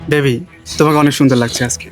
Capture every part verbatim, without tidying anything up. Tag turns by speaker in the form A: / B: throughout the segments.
A: Baby, তোমাকে অনেক সুন্দর লাগছে আজকে।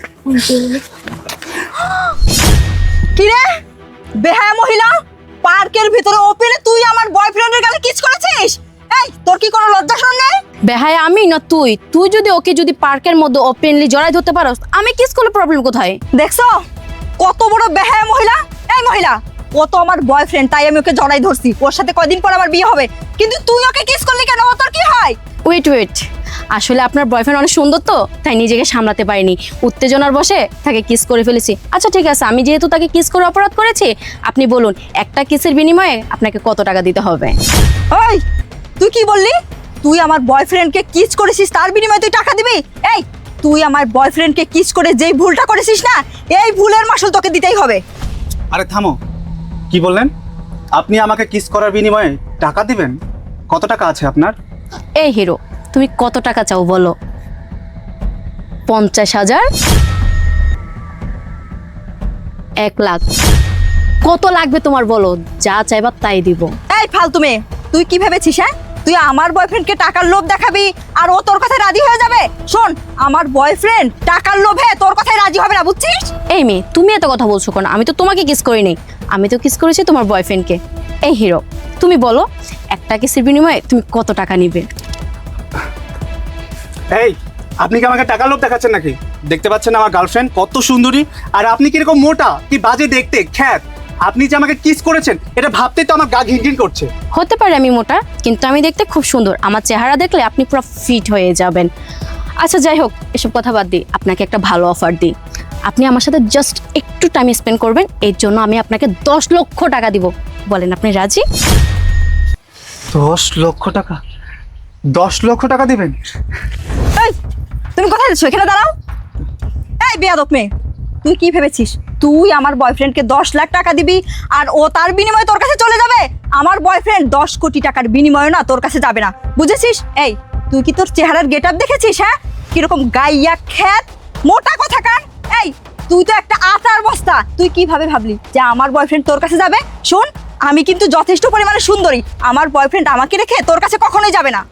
B: কি রে বেহায়া মহিলা, পার্কের ভিতরে ওপেনে তুই আমার বয়ফ্রেন্ডের গালে কিস করেছিস? এই তোর কি কোনো লজ্জা শরম নেই?
C: বেহায়া আমি না তুই? তুই যদি ওকে যদি পার্কের মধ্যে ওপেনলি জড়াই ধরতে পারোস, আমি কিস করলে প্রবলেম কোথায়?
B: দেখছো কত বড় বেহায়া মহিলা? এই মহিলা, ও তো আমার বয়ফ্রেন্ড, তাই আমি ওকে জড়াই ধরছি। ওর সাথে কয়দিন পর আমার বিয়ে হবে, কিন্তু তুই ওকে কিস করলি কেন? ও তোর কি হয়?
C: ওয়েট ওয়েট আসলে আপনার বয়ফ্রেন্ড অনেক সুন্দর তো, তাই নিজেকে সামলাতে পারিনি, উত্তেজনার বসে তাকে কিস করে ফেলেছি। আচ্ছা ঠিক আছে, আমি যেহেতু তাকে কিস করে অপরাধ করেছি, আপনি বলুন একটা কিসের বিনিময়ে আপনাকে কত টাকা দিতে হবে?
B: ওই তুই কি বললি? তুই আমার বয়ফ্রেন্ডকে কিস করেছিস, তার বিনিময়ে তুই টাকা দিবি? এই তুই আমার বয়ফ্রেন্ডকে কিস করে যেই ভুলটা করেছিস না, এই ভুলের মাসুল তোকে দিতেই হবে।
A: আরে থামো, কি বললেন? আপনি আমাকে কিস করার বিনিময়ে টাকা দিবেন? কত টাকা আছে আপনার?
C: এই হিরো, তুমি কত টাকা চাও বলো? পঞ্চাশ হাজার? এক লাখ? কত লাগবে তোমার বলো, যা চাইবা তাই দিব।
B: এই ফালতু মেয়ে, তুই কি ভেবেছিস? হ্যাঁ, তুই আমার বয়ফ্রেন্ডকে টাকার লোভ দেখাবি আর ও তোর কথায় রাজি হয়ে যাবে? শোন, আমার বয়ফ্রেন্ড টাকার লোভে তোর কথায় রাজি হবে না, বুঝছিস?
C: এই মেয়ে, তুমি এত কথা বলছো কেন? আমি তো তোমাকে কিস করি নাই, আমি তো কিস করেছি তোমার বয়ফ্রেন্ডকে। এই হিরো, তুমি বলো একটা কিসের বিনিময়ে তুমি কত টাকা নিবে?
A: এই, আপনি কি আমাকে টাকা লোভ দেখাচ্ছেন নাকি? দেখতে পাচ্ছেন আমার গার্লফ্রেন্ড কত সুন্দরী, আর আপনি কিরকম মোটা, কি বাজে দেখতে, খ্যাত। আপনি যে আমাকে কিস করেছেন এটা ভাবতে তো আমার গা ঘিনঘিন করছে।
C: হতে পারে আমি মোটা, কিন্তু আমি দেখতে খুব সুন্দর। আমার চেহারা দেখলে আপনি পুরো ফিট হয়ে যাবেন। আচ্ছা যাই হোক, এসব কথা বাদ দিই, আপনাকে একটা ভালো অফার দিই। আপনি আমার সাথে জাস্ট একটু টাইম স্পেন্ড করবেন, এর জন্য আমি আপনাকে দশ লক্ষ টাকা দিব। বলেন আপনি রাজি?
A: দশ লক্ষ টাকা? দশ লক্ষ টাকা দিবেন?
B: এই তুমি কোথায় যাচ্ছ? এখানে দাঁড়াও। এই বেয়াদব মেয়ে, তুই কি ভেবেছিস তুই আমার বয়ফ্রেন্ডকে দশ লাখ টাকা দিবি আর ও তার বিনিময়ে তোর কাছে চলে যাবে? আমার বয়ফ্রেন্ড দশ কোটি টাকার বিনিময়ে না তোর কাছে যাবে না, বুঝেছিস? এই তুই কি তোর চেহারার গেট আপ দেখেছিস? হ্যাঁ, কিরকম গাইয়া খ্যাত, মোটা কথাকার। এই তুই তো একটা আটার বস্তা। তুই কিভাবে ভাবলি যে আমার বয়ফ্রেন্ড তোর কাছে যাবে? শোন, আমি কিন্তু যথেষ্ট পরিমাণে সুন্দরী, আমার বয়ফ্রেন্ড আমাকে রেখে তোর কাছে কখনোই যাবে না।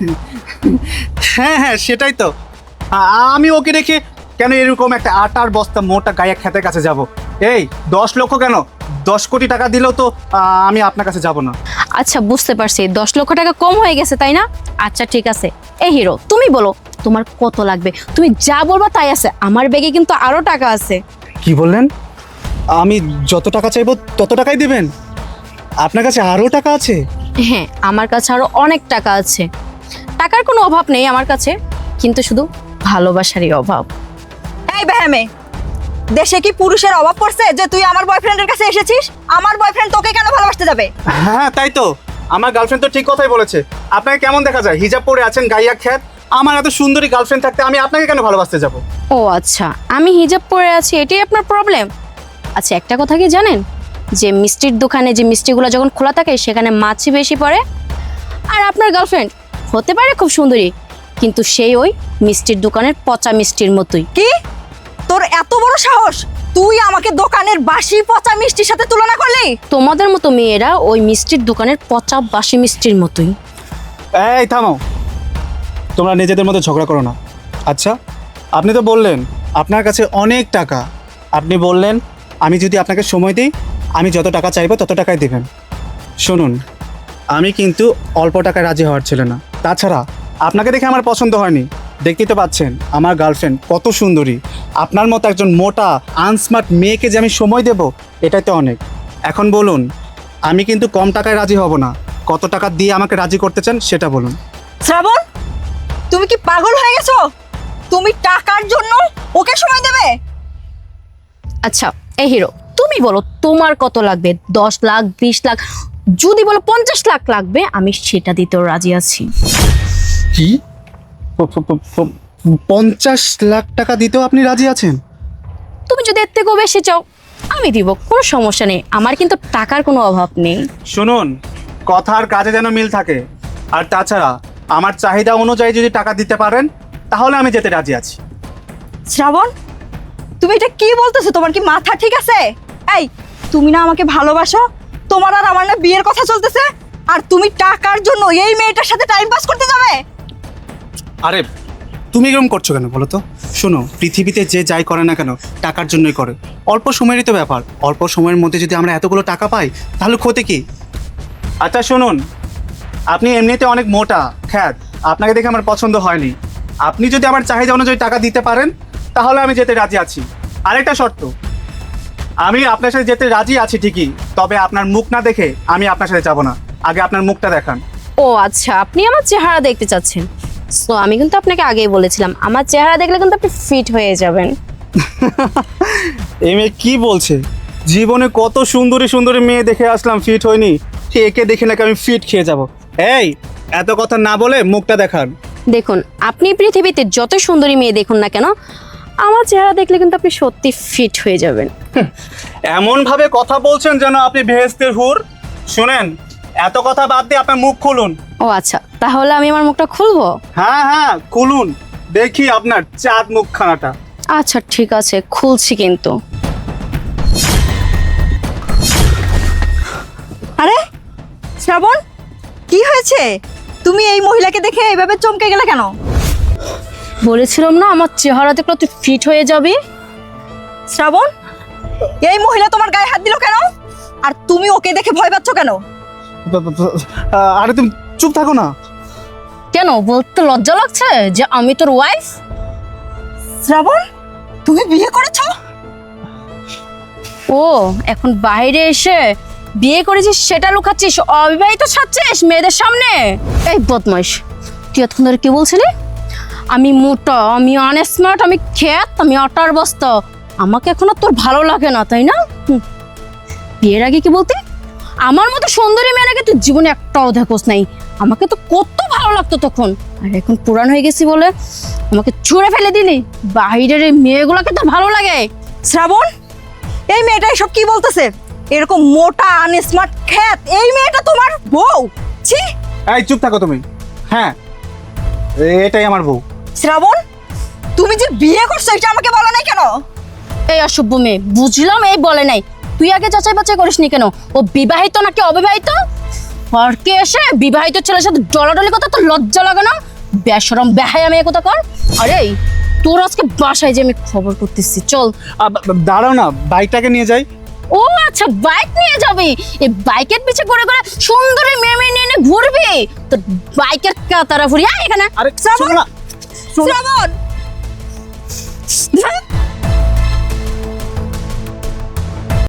A: হ্যাঁ হ্যাঁ, সেটাই তো। আ- আমি ওকে রেখে কেন এরকম একটা আটার বস্তা মোটা গায়ে খেতের কাছে যাব? এই দশ লক্ষ কেন, দশ কোটি টাকা দিলেও তো আ, আমি আপনার কাছে যাব না।
C: আচ্ছা বুঝতে পারছি, দশ লক্ষ টাকা কম হয়ে গেছে তাই না? আচ্ছা ঠিক আছে, এই হিরো তুমি বলো তোমার কত লাগবে? তুমি যা বলবা তাই আছে, আমার ব্যাগে কিন্তু আরো টাকা আছে।
A: কি বললেন? আমি যত টাকা চাইবো তত টাকাই দিবেন? আপনার কাছে আরও টাকা আছে?
C: হ্যাঁ, আমার কাছে আরো অনেক টাকা আছে। টাকার কোনো অভাব নেই আমার কাছে, কিন্তু শুধু ভালোবাসারই অভাব।
B: এই বেহেমে, দেশে কি পুরুষের অভাব পড়ছে যে তুই আমার বয়ফ্রেন্ডের কাছে এসেছিস? আমার বয়ফ্রেন্ড তোকে কেন ভালোবাসতে যাবে?
A: হ্যাঁ তাই তো, আমার গার্লফ্রেন্ড তো ঠিক কথাই বলেছে। আপনাকে কেমন দেখা যায়? হিজাব পরে আছেন, গাইয়া খ্যাত। আমার এত সুন্দরী গার্লফ্রেন্ড থাকতে আমি আপনাকে কেন ভালোবাসতে যাব?
C: ও আচ্ছা, আমি হিজাব পরে আছি এটাই আপনার প্রবলেম? আচ্ছা একটা কথা কি জানেন, যে মিষ্টির দোকানে যে মিষ্টিগুলো যখন খোলা থাকে সেখানে মাছি বেশি পড়ে। আর আপনার গার্লফ্রেন্ড হতে পারে খুব সুন্দরী, কিন্তু সেই ওই মিষ্টির দোকানের পচা মিষ্টির মতোই।
B: কি তোর এত বড় সাহস? তুই আমাকে দোকানের বাসি পচা মিষ্টির সাথে তুলনা করলি?
C: তোমাদের মতো মেয়েরা ওই মিষ্টির দোকানের পচা বাসি মিষ্টির মতোই।
A: এই থামো, তোমরা নিজেদের মধ্যে ঝগড়া করো না। আচ্ছা, আপনি তো বললেন আপনার কাছে অনেক টাকা। আপনি বললেন আমি যদি আপনাকে সময় দিই আমি যত টাকা চাইবো তত টাকাই দেবেন। শুনুন, আমি কিন্তু অল্প টাকায় রাজি হওয়ার ছিল না। তাছাড়া আপনাকে দেখে আমার পছন্দ হয়নি। দেখতেই তো পাচ্ছেন আমার গার্লফ্রেন্ড কত সুন্দরী। আপনার মতো একজন মোটা আনস্মার্ট মেয়েকে যে আমি সময় দেব, এটাই তো অনেক। এখন বলুন, আমি কিন্তু কম টাকায় রাজি হব না। কত টাকা দিয়ে আমাকে রাজি করতে চান সেটা বলুন।
B: শ্রাবণ, তুমি কি পাগল হয়ে গেছো? তুমি টাকার জন্য ওকে সময় দেবে?
C: আচ্ছা এই হিরো, তুমি বলো তোমার কত লাগবে? দশ লাখ, বিশ লাখ, যদি বলো পঞ্চাশ লাখ লাগবে, আমি সেটা দিতেও রাজি আছি।
A: কি? পঞ্চাশ লাখ টাকা দিতেও আপনি রাজি আছেন?
C: তুমি যদি এর থেকেও বেশি চাও আমি দিব, কোনো সমস্যা নেই, আমার কিন্তু টাকার কোনো অভাব নেই।
A: শুনুন, কথার কাজে যেন মিল থাকে। আর তাছাড়া আমার চাহিদা অনুযায়ী যদি টাকা দিতে পারেন তাহলে আমি যেতে রাজি আছি।
B: শ্রাবণ, তুমি এটা কি বলতেছো? তোমার কি মাথা ঠিক আছে? এই তুমি না আমাকে ভালোবাসো? তোমার আর আমার না বিয়ের কথা চলতেছে, আর তুমি টাকার জন্য এই মেয়েটার সাথে টাইম পাস করতে যাবে?
A: আরে তুমি এরকম করছো কেন বলো তো? শোনো, পৃথিবীতে যে যাই করে না কেন টাকার জন্যই করে। অল্প সময়েরই তো ব্যাপার, অল্প সময়ের মধ্যে যদি আমরা এতগুলো টাকা পাই তাহলে ক্ষতি কি? আচ্ছা শুনুন, আপনি এমনিতে অনেক মোটা খ্যাত, আপনাকে দেখে আমার পছন্দ হয়নি। আপনি যদি আমার চাহিদা অনুযায়ী টাকা দিতে পারেন তাহলে আমি যেতে রাজি আছি। আরেকটা শর্ত, আমি আপনার সাথে যেতে রাজি আছি ঠিকই, তবে আপনার মুখ না দেখে আমি আপনার সাথে যাব না। আগে আপনার মুখটা দেখান।
C: ও আচ্ছা, আপনি আমার চেহারা দেখতে চাচ্ছেন। সো আমি কিন্তু আপনাকে আগেই বলেছিলাম আমার চেহারা দেখলে কিন্তু আপনি ফিট হয়ে যাবেন।
A: এই মেয়ে কি বলছে? জীবনে কত সুন্দরী সুন্দরী মেয়ে দেখে আসলাম, ফিট হয়নি, সে একে দেখে নাকি আমি ফিট খেয়ে যাব। এই এত কথা না বলে মুখটা দেখান।
C: দেখুন, আপনি পৃথিবীতে যত সুন্দরী মেয়ে দেখুন না কেন, আমার চেহারা দেখলে কিন্তু আপনি সত্যি ফিট হয়ে যাবেন।
A: এমন ভাবে কথা বলছেন যেন আপনি বেহেশতের হুর। শুনেন, এত কথা বাদ দিয়ে আপনার মুখ খুলুন।
C: ও আচ্ছা, তাহলে আমি আমার মুখটা খুলবো?
A: হ্যাঁ হ্যাঁ খুলুন, দেখি আপনার চাঁদ মুখখানাটা।
C: আচ্ছা ঠিক আছে, খুলছি কিন্তু।
B: আরে শ্রাবণ, কি হয়েছে? তুমি এই মহিলাকে দেখে এইভাবে চমকে গেলে কেন?
C: বলেছিলাম না আমার চেহারা দেখলে তুই ফিট হয়ে যাবি।
B: শ্রাবণ, এই মহিলা তোমার গায়ে হাত দিল কেন? আর তুমি ওকে দেখে ভয় পাচ্ছ কেন?
A: ব- ব- ব- আহ, আরে তুমি চুপ থাকো না।
C: কেন, বলতে লজ্জা লাগছে যে আমি তোর ওয়াইফ?
B: শ্রাবণ, তুমি বিয়ে করেছো?
C: ও এখন বাইরে এসে বিয়ে করেছিস সেটা লুকাচ্ছিস, অবিবাহিত ছাড়ছিস মেয়েদের সামনে। এই বদমাইশ, তুই এতক্ষণ ধরে কি বলছিলি? আমি মোটা, আমি আনস্মার্ট, আমি খ্যাত, আমি আটার বস্তা, আমাকে এখন আর তোর ভালো লাগে না, তাই না? হুম। বিয়ের আগে কি বলতি? আমার মতো সুন্দরী মেয়ে নাকি তুই জীবনে একটাও দেখোস নাই। আমাকে তো কত ভালো লাগতো তখন, আর এখন পুরান হয়ে গেছি বলে আমাকে ছুঁড়ে ফেলে দিলি। বাইরের এই মেয়েগুলোকে তো ভালো লাগে।
B: শ্রাবণ, এই মেয়েটা এসব কি বলতেছে? এরকম মোটা আনস্মার্ট খ্যাত এই মেয়েটা তোমার বউ? ছি!
A: এই চুপ থাকো তুমি। হ্যাঁ, এটাই আমার বউ।
B: শ্রাবণ, তুমি যে বিয়ে করছো এটা আমাকে বলা নাই কেন?
C: এই অসভ্য মেয়ে, বুঝলাম এই বলে নাই, তুই আগে যাচাই বাছাই করিসনি কেন ও বিবাহিত নাকি অবিবাহিত? আর কে এসে বিবাহিত ছেলের সাথে ডলাডলি কথা তো লজ্জা লাগে না? বেশরম বেহায়া মেয়ে কথা কর। আরে তোর আজকে বাসায় যে আমি খবর করতেছি, চল।
A: আ, বা- বা- দাঁড়াও না, বাইকটাকে নিয়ে যাই।
C: ও আচ্ছা, বাইক নিয়ে যাবি? এই বাইকের পিছে করে করে সুন্দরী মেয়ে মেয়ে নিয়ে নিয়ে ঘুরবি? তো বাইকের কাতারা ফুরি এখানে।
A: আরে
B: শ্রাবণ!
A: শোনো না, শোনো।
B: শ্রাবণ!